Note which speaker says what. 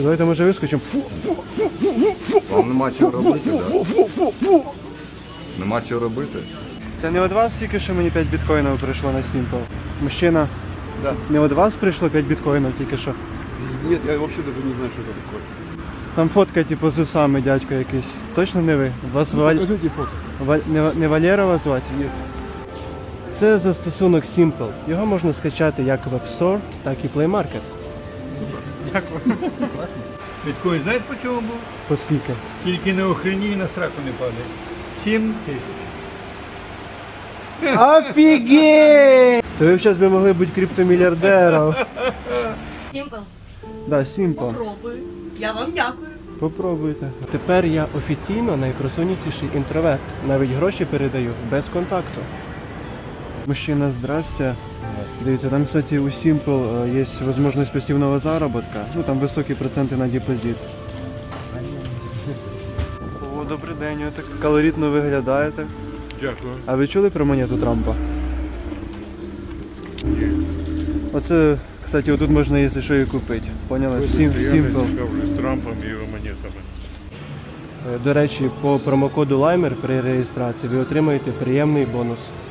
Speaker 1: Давайте може вискочимо.
Speaker 2: Вам нема чого робити, так? Нема чого робити.
Speaker 1: Це не від вас тільки що мені 5 біткоїнів прийшло на Simple? Мужчина,
Speaker 3: Да.
Speaker 1: не від вас прийшло 5 біткоїнів тільки що?
Speaker 3: Нет, я вообще даже не знаю, что это такое.
Speaker 1: Там фотка типу з усами, дядько якийсь. Точно не ви? Вас
Speaker 3: Покажите фото.
Speaker 1: Не Валера вас звати?
Speaker 3: Нет.
Speaker 1: Це застосунок Simple. Його можна скачати як в App Store, так і Play Market.
Speaker 4: Біткоін, знаєш по чому був?
Speaker 1: По скільки?
Speaker 4: Тільки не охреній, на сраку не падає. 7 тисяч.
Speaker 1: Офігеть! То ви б зараз могли бути криптомільярдером.
Speaker 5: Сімпл,
Speaker 1: Да, Simple.
Speaker 5: попробую. Я вам дякую.
Speaker 1: Попробуйте. Тепер я офіційно найпросунутіший інтроверт. Навіть гроші передаю без контакту. Мужчина, здрасте. Дивіться, там, кстати, у Simple є можливість пасивного заробітка. Ну, там високі проценти на депозит. О, добрий день, ви так колоритно виглядаєте.
Speaker 3: Дякую.
Speaker 1: А ви чули про монету Трампа? Оце, кстати, отут можна, якщо що, і купити. Поняли? Simple.
Speaker 3: З Трампом і його монетами.
Speaker 1: До речі, по промокоду LIMER при реєстрації ви отримаєте приємний бонус.